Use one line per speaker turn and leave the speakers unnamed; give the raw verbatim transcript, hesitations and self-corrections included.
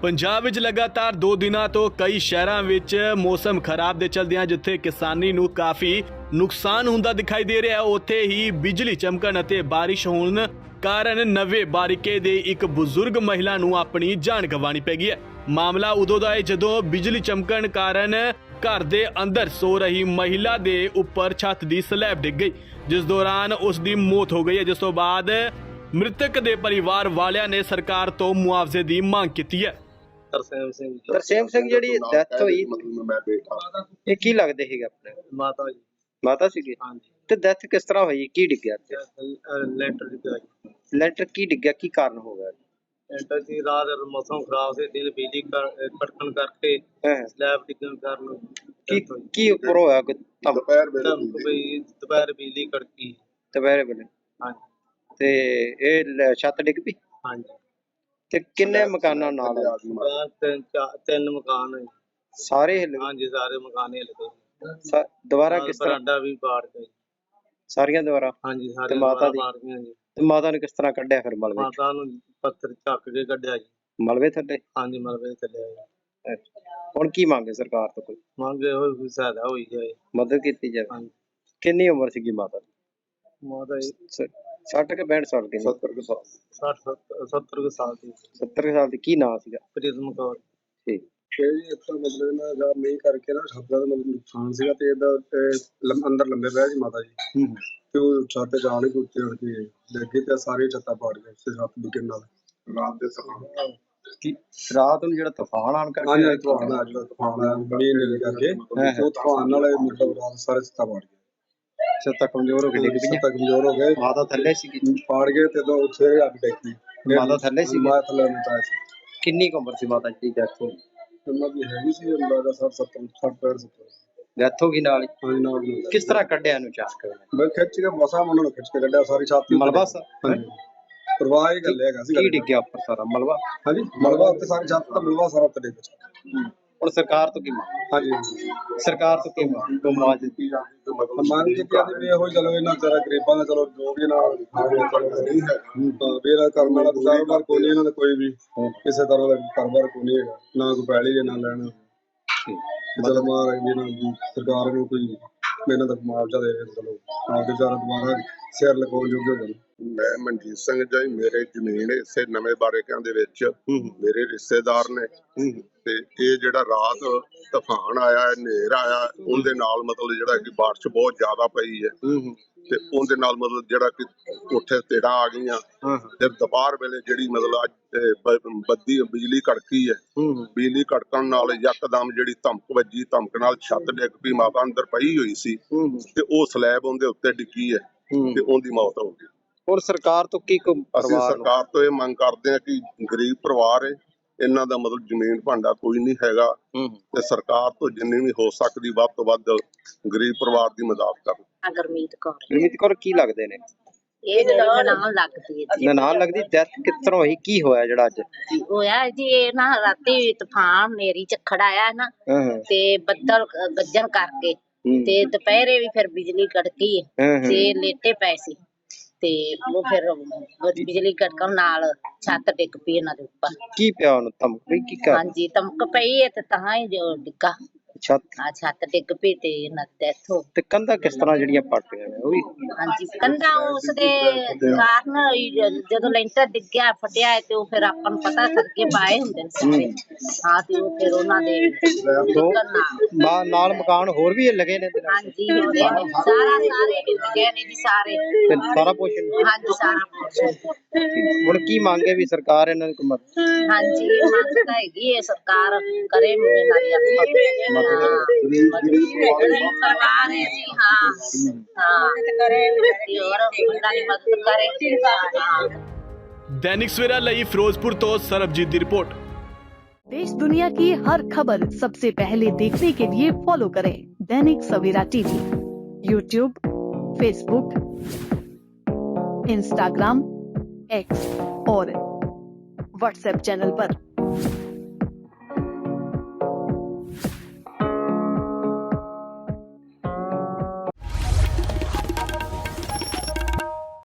ਪੰਜਾਬ ਵਿੱਚ ਲਗਾਤਾਰ ਦੋ ਦਿਨਾਂ ਤੋਂ ਕਈ ਸ਼ਹਿਰਾਂ ਵਿੱਚ ਮੌਸਮ ਖਰਾਬ ਦੇ ਚਲਦਿਆਂ ਜਿੱਥੇ ਕਿਸਾਨੀ ਨੂੰ ਕਾਫੀ ਨੁਕਸਾਨ ਹੁੰਦਾ ਦਿਖਾਈ ਦੇ ਰਿਹਾ, ਉੱਥੇ ਹੀ ਬਿਜਲੀ ਚਮਕਣ ਅਤੇ ਬਾਰਿਸ਼ ਹੋਣ ਕਾਰਨ ਨਵੇਂ ਬਾਰਿਕੇ ਦੇ ਇੱਕ ਬਜ਼ੁਰਗ ਮਹਿਲਾ ਨੂੰ ਆਪਣੀ ਜਾਨ ਗਵਾਉਣੀ ਪੈ ਗਈ ਹੈ। ਮਾਮਲਾ ਉਦੋਂ ਦਾ ਹੈ ਜਦੋਂ ਬਿਜਲੀ ਚਮਕਣ ਕਾਰਨ ਘਰ ਦੇ ਅੰਦਰ ਸੋ ਰਹੀ ਮਹਿਲਾ ਦੇ ਉੱਪਰ ਛੱਤ ਦੀ ਸਲੈਬ ਡਿੱਗ ਗਈ, ਜਿਸ ਦੌਰਾਨ ਉਸ ਦੀ ਮੌਤ ਹੋ ਗਈ ਹੈ, ਜਿਸ ਤੋਂ ਬਾਅਦ ਮ੍ਰਿਤਕ ਦੇ ਪਰਿਵਾਰ ਵਾਲਿਆਂ ਨੇ ਸਰਕਾਰ ਤੋਂ ਮੁਆਵਜ਼ੇ ਦੀ ਮੰਗ ਕੀਤੀ ਹੈ।
ਤਰਸੇਮ ਸਿੰਘ ਜੀ।
ਤਰਸੇਮ ਸਿੰਘ ਜਿਹੜੀ ਡੈਥ ਹੋਈ
ਮਤਲਬ ਮੈਂ ਬੇਟਾ
ਇਹ ਕੀ ਲੱਗਦੇ ਸੀਗੇ ਆਪਣੇ?
ਮਾਤਾ ਜੀ।
ਮਾਤਾ ਸੀਗੇ।
ਹਾਂਜੀ।
ਤੇ ਡੈਥ ਕਿਸ ਤਰ੍ਹਾਂ ਹੋਈ, ਕੀ ਡਿੱਗਿਆ ਤੇ
ਲੈਂਟਰ ਦੀ ਗਈ।
ਲੈਂਟਰ ਕੀ ਡਿੱਗਿਆ, ਕੀ ਕਾਰਨ ਹੋ ਗਿਆ?
ਲੈਂਟਰ ਦੀ ਰਾਤ ਮੌਸਮ ਖਰਾਬ ਸੀ, ਦਿਨ ਬਿਜਲੀ ਕੜਕਣ ਕਰਕੇ
ਹਾਂ।
ਸਲੈਬ ਡਿੱਗਣ ਕਾਰਨ
ਕੀ ਕੀ ਉੱਪਰ ਹੋਇਆ? ਕੋਈ ਧਮ-
ਦੁਪਹਿਰ ਵੇਲੇ ਬਈ ਦੁਪਹਿਰ ਬਿਜਲੀ ਕੜਕੀ।
ਦੁਪਹਿਰੇ ਵੇਲੇ?
ਹਾਂਜੀ।
ਤੇ ਇਹ ਲ- ਛੱਤ ਡਿੱਗ ਪਈ?
ਹਾਂਜੀ।
ਤੇ ਕਿੰਨੇ ਮਕਾਨਾਂ ਨਾਲ?
ਬਾਹਰ ਤਿੰਨ ਚਾਰ ਤਿੰਨ ਮਕਾਨ ਹੈ।
ਸਾਰੇ ਹਿੱਲ ਗਏ?
ਹਾਂਜੀ, ਸਾਰੇ ਮਕਾਨ ਹਿੱਲ ਗਏ।
ਸਾ- ਦੁਬਾਰਾ ਕਿਸ ਤਰ੍ਹਾਂ?
ਬਰਾਂਡਾ ਵੀ ਪਾੜ ਗਿਆ।
ਸਾਰੀਆਂ ਦੁਬਾਰਾ?
ਹਾਂਜੀ, ਸਾਰੇ
ਤੇ ਮਾਤਾ ਦੀ?
ਪਾੜ ਗਈਆਂ ਜੀ।
ਤੇ ਮਾਤਾ ਨੂੰ ਕਿਸ ਤਰ੍ਹਾਂ ਕੱਢਿਆ ਫਿਰ ਮਲਬੇ?
ਮਾਤਾ ਨੂੰ ਪੱਥਰ ਚੱਕ ਕੇ ਕੱਢਿਆ ਜੀ।
ਮਲਬੇ ਥੱਲੇ?
ਹਾਂਜੀ, ਮਲਬੇ ਥੱਲੇ ਆ ਜੀ।
ਅੱਛਾ। ਹੁਣ ਕੀ ਮੰਗੇ ਸਰਕਾਰ ਤੋਂ? ਕੋਈ
ਮੰਗੇ ਹੋਏ ਕੋਈ ਸਹਾਇਤਾ ਹੋਈ ਜਾਏ।
ਮਦਦ ਕੀਤੀ ਜਾਵੇ।
ਹਾਂਜੀ।
ਕਿੰਨੀ ਉਮਰ ਸੀਗੀ ਮਾਤਾ ਦੀ?
ਮਾਤਾ ਜੀ
ਸੱਠ ਕੇ ਪੈਂਹਠ ਸਾਲ ਦੀ?
ਸੱਤਰ ਕੁ ਸਾਲ ਸੱਠ ਸੱਤਰ ਕੁ ਸਾਲ ਦੀ।
ਸੱਤਰ ਕੁ ਸਾਲ ਦੀ। ਕੀ ਨਾਂ ਸੀਗਾ?
ਪ੍ਰਿਜ਼ਮ ਕੌਰ।
ਠੀਕ।
ਇਹ ਜੀ ਇੱਥੋਂ ਮਤਲਬ ਇਹਨਾਂ ਦਾ ਮੀਂਹ ਕਰਕੇ ਨਾ ਛੱਤ ਦਾ ਮਤਲਬ ਨੁਕਸਾਨ ਸੀਗਾ ਤੇ ਇਹਦਾ ਅੰਦਰ ਲੰਬੇ ਪਏ ਜੀ ਮਾਤਾ ਜੀ।
ਹੂੰ।
ਤੇ ਉਹ ਛੱਤ ਤੇ ਜਾਣ ਕੇ ਉੱਤੇ ਉੱਠ ਕੇ ਲੱਗੇ ਤੇ ਸਾਰੇ ਛੱਤਾਂ ਪਾੜ ਗਏ ਤੇ ਛੱਤ ਡਿੱਗਣ ਨਾਲ ਰਾਤ ਦੇ ਤੂਫਾਨ।
ਕੀ ਰਾਤ ਨੂੰ ਜਿਹੜਾ ਤੂਫਾਨ ਆਣ ਕਰਕੇ?
ਹਾਂਜੀ, ਤੂਫਾਨ ਆ ਜਿਹੜਾ ਤੂਫਾਨ ਆ ਮੀਂਹ ਨੇ ਕਰਕੇ ਉਹ ਤੂਫਾਨ ਨਾਲ ਮਤਲਬ ਰਾਤ ਸਾਰੇ ਛੱਤਾਂ ਪਾੜ ਗਏ।
ਛੱਤਾਂ ਕਮਜ਼ੋਰ ਹੋ ਕੇ ਡਿੱਗ ਪਈਆਂ?
ਛੱਤਾਂ ਕਮਜ਼ੋਰ ਹੋ ਗਏ।
ਮਾਤਾ ਥੱਲੇ ਸੀਗੀ?
ਪਾੜ ਗਏ ਤੇ ਦੋ ਉੱਥੇ ਅੱਗ ਡਿੱਗੀ।
ਮਾਤਾ ਥੱਲੇ ਸੀ?
ਮਾਤਾ ਥੱਲੇ ਨਹੀਂ ਪਾਇਆ ਸੀ।
ਕਿੰਨੀ ਕੁ ਉਮਰ ਸੀ ਮਾਤਾ ਜੀ ਦੀ ਡੈਥ ਹੋਈ?
ਉਹਨਾਂ ਦੀ ਹੈਗੀ ਸੀ ਅੰਦਾਜ਼ਾ ਸੱਠ ਸੱਤਰ ਸੱਠ ਪੈਂਹਠ ਸੱਤਰ।
ਡੈਥ ਹੋ ਗਈ ਨਾਲ ਹੀ?
ਹਾਂਜੀ, ਨਾਲ ਹੀ।
ਕਿਸ ਤਰ੍ਹਾਂ ਕੱਢਿਆ ਇਹਨੂੰ ਚਾਕ ਕੇ?
ਮੈਂ ਖਿੱਚ ਕੇ ਮਸਾਂ ਉਹਨਾਂ ਨੂੰ ਖਿੱਚ ਕੇ ਕੱਢਿਆ ਸਾਰੀ ਛਾਤੀ।
ਮਲਬਾ ਸਾ?
ਹਾਂਜੀ, ਪਰਵਾਹ ਹੀ ਗੱਲੇ ਹੈਗਾ ਸੀ।
ਕੀ ਡਿੱਗਿਆ ਉੱਪਰ? ਸਾਰਾ ਮਲਬਾ?
ਹਾਂਜੀ, ਮਲਬਾ ਉੱਤੇ ਸਾਰੀ ਛੱਤ ਦਾ ਮਲਬਾ ਸਾਰਾ ਉੱਤੇ ਡਿੱਗ ਗਿਆ।
ਹੁਣ ਸਰਕਾਰ ਤੋਂ ਕੀ ਮੰਗ?
ਹਾਂਜੀ,
ਸਰਕਾਰ ਤੋਂ ਕੀ ਮੰਗ? ਮੁਆਵਜ਼ੇ ਦੀ
ਮੰਗ ਕੀਤੀ ਜਾਂਦੀ ਵੀ ਇਹੋ ਹੀ ਚਲੋ ਇਹਨਾਂ ਵਿਚਾਰਾ ਗਰੀਬਾਂ ਦਾ ਚਲੋ ਜੋ ਵੀ ਨਾਲ ਨਹੀਂ ਹੈ ਬੇਰਾ ਕਰਨ ਵਾਲਾ ਕਾਰੋਬਾਰ ਕੋਈ ਨਹੀਂ ਇਹਨਾਂ ਦਾ, ਕੋਈ ਵੀ ਕਿਸੇ ਤਰ੍ਹਾਂ ਦਾ ਕਾਰੋਬਾਰ ਕੋਈ ਨਹੀਂ ਹੈਗਾ, ਨਾ ਕੋਈ ਪੈਲੀ ਹੈ ਨਾ ਲੈਣਾ। ਚਲੋ ਮਹਾਰਾਜ ਜੀ ਨਾਲ ਸਰਕਾਰ ਨੂੰ ਕੋਈ ਇਹਨਾਂ ਦਾ ਮੁਆਵਜ਼ਾ ਦੇ ਚਲੋ ਆਪਦੇ ਵਿਚਾਰਾ ਦੁਬਾਰਾ ਸਿਰ ਲਗਾਉਣ ਯੋਗ ਹੋ ਜਾਣ।
ਮੈਂ ਮਨਜੀਤ ਸਿੰਘ ਜੀ, ਮੇਰੇ ਜ਼ਮੀਨ ਇਸੇ ਨਵੇਂ ਬਾਰੇਕਿਆਂ ਦੇ ਵਿੱਚ ਮੇਰੇ ਰਿਸ਼ਤੇਦਾਰ ਨੇ ਤੇ ਇਹ ਜਿਹੜਾ ਰਾਤ ਤੂਫਾਨ ਆਇਆ, ਹਨੇਰ ਆਇਆ, ਉਹਦੇ ਨਾਲ ਮਤਲਬ ਜਿਹੜਾ ਕਿ ਬਾਰਿਸ਼ ਬਹੁਤ ਜ਼ਿਆਦਾ ਪਈ ਹੈ ਤੇ ਉਹਦੇ ਨਾਲ ਮਤਲਬ ਜਿਹੜਾ ਕਿ ਉੱਥੇ ਤੇੜਾਂ ਆ ਗਈਆਂ ਤੇ ਦੁਪਹਿਰ ਵੇਲੇ ਜਿਹੜੀ ਮਤਲਬ ਅੱਜ ਬੱਦੀ ਬਿਜਲੀ ਕੜਕੀ ਹੈ। ਬਿਜਲੀ ਕੜਕਣ ਨਾਲ ਯਕਦਮ ਜਿਹੜੀ ਧਮਕ ਵੱਜੀ, ਧਮਕ ਨਾਲ ਛੱਤ ਡਿੱਗ ਪਈ। ਮਾਤਾ ਅੰਦਰ ਪਈ ਹੋਈ ਸੀ ਤੇ ਉਹ ਸਲੈਬ ਉਹਦੇ ਉੱਤੇ ਡਿੱਗੀ ਹੈ ਤੇ ਉਹਦੀ ਮੌਤ ਹੋ ਗਈ।
ਹੋਰ ਸਰਕਾਰ ਤੋਂ ਕੀ ਕੋਈ?
ਅਸੀਂ ਸਰਕਾਰ ਤੋਂ ਇਹ ਮੰਗ ਕਰਦੇ ਹਾਂ ਕਿ ਗਰੀਬ ਪਰਿਵਾਰ ਹੈ, ਇਹਨਾਂ ਦਾ ਮਤਲਬ ਜ਼ਮੀਨ ਭਾਂਡਾ ਕੋਈ ਨਹੀਂ ਹੈਗਾ ਤੇ ਸਰਕਾਰ ਤੋਂ ਜਿੰਨੀ ਵੀ ਹੋ ਸਕਦੀ ਵੱਧ ਤੋਂ ਵੱਧ ਗਰੀਬ ਪਰਿਵਾਰ ਦੀ ਮਦਦ ਕਰਨ।
ਗੁਰਮੀਤ ਕੌਰ।
ਗੁਰਮੀਤ ਕੌਰ ਕੀ ਲੱਗਦੇ ਨੇ?
ਇਹ ਮੇਰੇ ਨਾਲ ਲੱਗਦੀ ਹੈ ਜੀ।
ਨਨਾਣ ਲੱਗਦੀ? ਡੈਥ ਕਿਸ ਤਰ੍ਹਾਂ ਹੋਈ, ਕੀ ਹੋਇਆ ਜਿਹੜਾ ਅੱਜ
ਹੋਇਆ ਜੀ? ਇਹ ਨਾ ਰਾਤੀ ਤੂਫਾਨ ਨੇਰੀ ਝੱਖੜ ਆਇਆ ਨਾ ਤੇ ਬੱਦਲ ਗੱਜਣ ਕਰਕੇ ਤੇ ਦੁਪਹਿਰੇ ਵੀ ਫਿਰ ਬਿਜਲੀ ਕੜਕੀ ਤੇ ਲੇਟੇ ਪਏ ਸੀ ਤੇ ਉਹ ਫਿਰ ਬਿਜਲੀ ਕੜਕਣ ਨਾਲ ਛੱਤ ਡਿੱਗ ਪਈ ਇਹਨਾਂ ਦੇ ਉੱਪਰ।
ਕੀ ਪਿਆ ਉਹਨੂੰ? ਧਮਕ ਪਈ? ਕੀ ਕਰ?
ਹਾਂਜੀ, ਧਮਕ ਪਈ ਹੈ ਤੇ ਤਾਂ ਹੀ ਜੋ ਡਿੱਗਾ
ਛੱਤ?
ਆ ਛੱਤ ਡਿੱਗ ਪਈ ਤੇ ਇਹਨਾਂ ਦੀ ਡੈਥ ਹੋ।
ਤੇ ਕੰਧਾਂ ਕਿਸ ਤਰ੍ਹਾਂ ਜਿਹੜੀਆਂ ਪੱਟ ਗਈਆਂ ਨੇ ਉਹ ਵੀ?
ਹਾਂਜੀ, ਕੰਧਾਂ ਉਸਦੇ ਕਾਰਨ ਹੋਈ। ਜਦੋਂ ਲੈਂਟਰ ਡਿੱਗਿਆ ਫਟਿਆ ਤੇ ਉਹ ਫਿਰ ਆਪਾਂ ਨੂੰ ਪਤਾ ਸਰਗੇ ਪਾਏ ਹੁੰਦੇ ਨੇ ਸਾਰੇ। ਹਾਂ, ਤੇ ਉਹ ਫਿਰ ਉਹਨਾਂ ਦੇ
ਨਾਲ ਨਾਲ ਮਕਾਨ ਹੋਰ ਵੀ ਲੱਗੇ ਨੇ?
ਹਾਂਜੀ, ਉਹਦੇ ਸਾਰਾ ਸਾਰੇ ਹਿੱਲ ਗਏ ਨੇ ਜੀ ਸਾਰੇ।
ਤੇ ਸਾਰਾ ਪੋਸ਼ਨ?
ਹਾਂਜੀ, ਸਾਰਾ ਪੋਸ਼ਨ।
ਹੁਣ ਕੀ ਮੰਗੇ ਵੀ ਸਰਕਾਰ ਇਹਨਾਂ ਨੂੰ ਮਦਦ?
ਹਾਂਜੀ, ਮੰਗ ਤਾਂ ਹੈਗੀ ਹੈ ਸਰਕਾਰ ਕਰੇ ਮੁੰਡੇ ਨਾਲ ਆਪਾਂ ਸਰਕਾਰ ਹੈ ਜੀ। ਹਾਂ ਹਾਂ, ਕਰੇ और मुंडा की मदद करे।
दैनिक सवेरा ਲਈ ਫਿਰੋਜ਼ਪੁਰ ਤੋਂ ਸਰਬਜੀਤ ਦੀ रिपोर्ट।
देश दुनिया की हर खबर सबसे पहले देखने के लिए फॉलो करें Dainik Savera TV, YouTube, Facebook, Instagram, X और व्हाट्सएप चैनल पर।